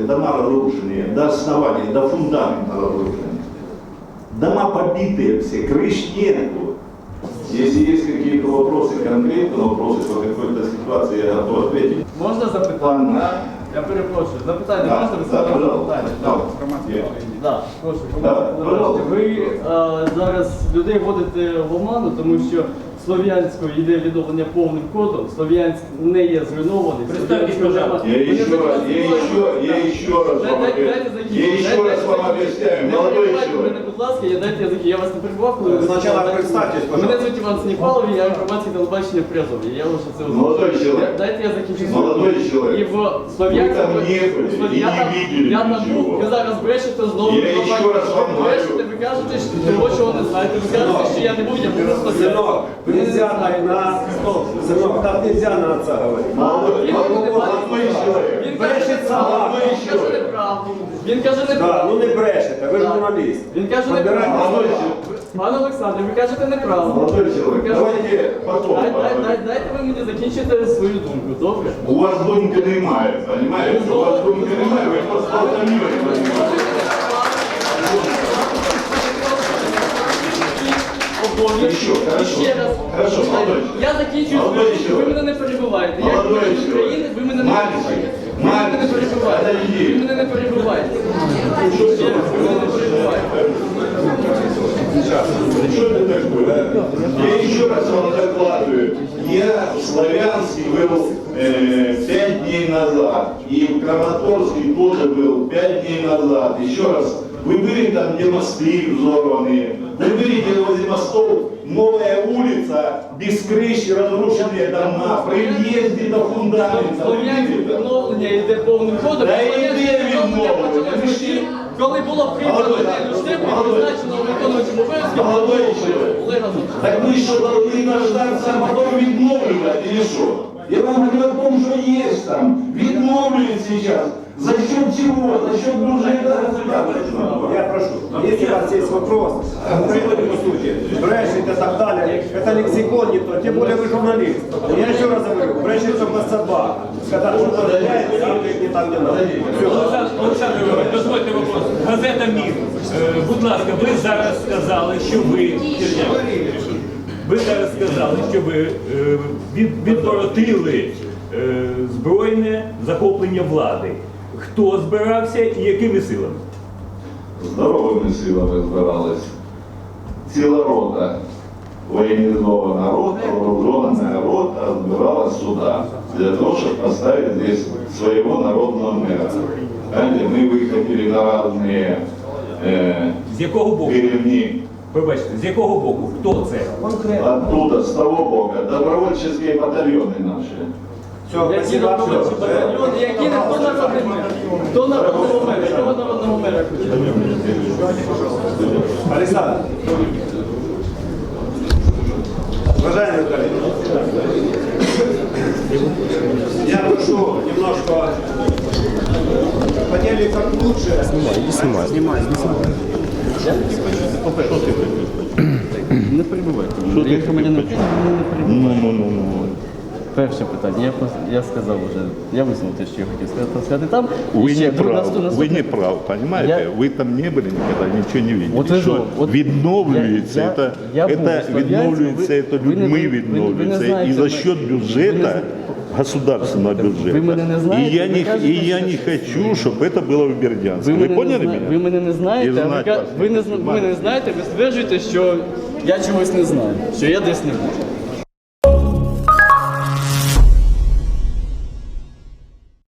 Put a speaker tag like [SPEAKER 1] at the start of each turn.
[SPEAKER 1] дома разрушенные до основания, до фундамента разрушены. Дома побитые все, крыш нету. Если есть какие-то вопросы, конкретные вопросы по какой-то ситуации, я готов ответить.
[SPEAKER 2] Можна запитання? Я перепрошую. Запитання можна? Ви запитання? Так, прошу. Ви зараз людей вводите в оману, тому що Слов'янську йде відновлення повним кодом, Слов'янськ не є зруйнований.
[SPEAKER 1] Я еще раз вам объясняю, молодой человек.
[SPEAKER 2] Будь ласка, я вас не перебував, коли ви
[SPEAKER 3] Спочатку представтесь,
[SPEAKER 2] мене звуть Іван Сніпалов, я громадське телебачення Призов. Я вже це узнав.
[SPEAKER 1] Молодой человек.
[SPEAKER 2] Дайте я закінчу.
[SPEAKER 1] Молодой человек.
[SPEAKER 2] І в Слов'янську...
[SPEAKER 1] Вы там не были, и не видели
[SPEAKER 2] я там був,
[SPEAKER 1] ничего.
[SPEAKER 2] ви зараз брешете знову.
[SPEAKER 1] Я еще раз вам
[SPEAKER 2] Ви брешете, ви кажете, що того, чого не знаєте. Ви кажете, що я не був, я просто...
[SPEAKER 3] Сынок, нельзя на стол. Сынок, так нельзя на отца говорить.
[SPEAKER 1] Молодой человек.
[SPEAKER 2] Він каже неправду. Він каже
[SPEAKER 3] Да,
[SPEAKER 2] неправду.
[SPEAKER 3] ну не брешете, ви журналіст.
[SPEAKER 2] Він каже
[SPEAKER 3] Подбирайте
[SPEAKER 2] неправду.
[SPEAKER 3] слова.
[SPEAKER 2] Пане Олександр, ви кажете неправду.
[SPEAKER 1] Молодой человек, давайте потом.
[SPEAKER 2] Дайте ви мені закінчити свою думку, добре?
[SPEAKER 1] У вас думки немає, понимаете? У вас думки немає, ви просто автомобіль, понимаете? Еще, хорошо.
[SPEAKER 2] Ще раз.
[SPEAKER 1] Хорошо, молодой
[SPEAKER 2] Я закінчую
[SPEAKER 1] Молодой
[SPEAKER 2] свою думку, ви
[SPEAKER 1] человек.
[SPEAKER 2] мене не перебиваєте. Я
[SPEAKER 1] Молодой
[SPEAKER 2] громадянин
[SPEAKER 1] человек.
[SPEAKER 2] України, ви мене не
[SPEAKER 1] Мальчик.
[SPEAKER 2] перебиваєте. Ви мене не перебиваєте.
[SPEAKER 1] Подожди.
[SPEAKER 2] Ви мене не перебиваєте. Ще раз, ви мене не перебиваєте.
[SPEAKER 1] Что это такое? Я еще раз вам докладываю. Я в Славянске был 5 дней назад. И в Краматорске тоже был 5 дней назад. Еще раз, вы были там, где мосты взорванные. Вы видите возле мостов новая улица, без крыши, разрушенные дома, при въезде до фундамента. Вы
[SPEAKER 2] Слов'янське
[SPEAKER 1] видели там?
[SPEAKER 2] відновлення йде повним ходом.
[SPEAKER 1] Та
[SPEAKER 2] Слов'янське
[SPEAKER 1] йде
[SPEAKER 2] відновлення
[SPEAKER 1] відновлення.
[SPEAKER 2] почалось тоді, коли було прийнято
[SPEAKER 1] Молодой,
[SPEAKER 2] Люштеку і
[SPEAKER 1] молодой.
[SPEAKER 2] призначено виконуючим обов'язки
[SPEAKER 1] Молодой человек.
[SPEAKER 2] Олега Зубченка.
[SPEAKER 1] Так вы что, должны дождаться, а потом відновлювати или что? Я вам говорю о том, что есть там. Відновлюють сейчас. За счет чего? За счет бюджета государства.
[SPEAKER 3] Я прошу, если у вас есть вопрос, приходите по сути. Брешете и так далее, это лексикон не то, тем более вы журналист. Я еще раз говорю, брешет только собака. Когда что-то доверяет, сам говорит не так, не надо.
[SPEAKER 4] Олександр Григорович, дозвольте вопрос. Газета «Мір». Будь ласка, ви зараз сказали, що ви зараз сказали, що ви відворотили збройне захоплення влади. Хто збирався і якими силами?
[SPEAKER 1] Здоровими силами збирались. Ціла рота, воєнізована рота, вооруженная рота збиралась сюда, для того, чтобы поставить здесь своего народного мэра. Знаете, мы выходили на разные
[SPEAKER 4] З якого боку?
[SPEAKER 1] деревни.
[SPEAKER 4] Вибачте, з якого боку? Хто це?
[SPEAKER 1] Оттуда, с того бока, добровольческие батальоны наши.
[SPEAKER 3] Все,
[SPEAKER 2] Які
[SPEAKER 3] спасибо.
[SPEAKER 2] добровольчі батальйони, які не хто народний мер? Хто народного мера? Якого народного мера хоче?
[SPEAKER 3] Александр. Уважаемые коллеги, я прошу немножко поняли как лучше. Снимай.
[SPEAKER 2] Не перебувайте. Я громадянин України, не перебувайте. Перше питання, я сказав вже, я висунув те, що я хотів сказати там.
[SPEAKER 5] Вы
[SPEAKER 2] І ще
[SPEAKER 5] не правы,
[SPEAKER 2] наступне-
[SPEAKER 5] вы не правы, понимаете? Вы там не были никогда, ничего не видели.
[SPEAKER 2] Вот ви
[SPEAKER 5] Що
[SPEAKER 2] ж- от
[SPEAKER 5] відновлюється,
[SPEAKER 2] я був
[SPEAKER 5] это
[SPEAKER 2] у Слов'янську,
[SPEAKER 5] відновлюється,
[SPEAKER 2] ви-
[SPEAKER 5] это
[SPEAKER 2] ви не-
[SPEAKER 5] людьми
[SPEAKER 2] ви не
[SPEAKER 5] відновлюється.
[SPEAKER 2] знаєте,
[SPEAKER 5] И за
[SPEAKER 2] ви-
[SPEAKER 5] счет
[SPEAKER 2] ви
[SPEAKER 5] бюджета,
[SPEAKER 2] не-
[SPEAKER 5] государственного бюджета.
[SPEAKER 2] Вы меня не знаете,
[SPEAKER 5] И я
[SPEAKER 2] вы
[SPEAKER 5] не,
[SPEAKER 2] кажете,
[SPEAKER 5] и я не хочу, чтобы это было в Бердянске. Вы
[SPEAKER 2] мене
[SPEAKER 5] поняли
[SPEAKER 2] не
[SPEAKER 5] меня?
[SPEAKER 2] Ви мене не
[SPEAKER 5] І
[SPEAKER 2] знаєте, а
[SPEAKER 5] знати вас
[SPEAKER 2] ви не мене не знаєте, ви стверджуєте, що я чогось не знаю, що я десь не був.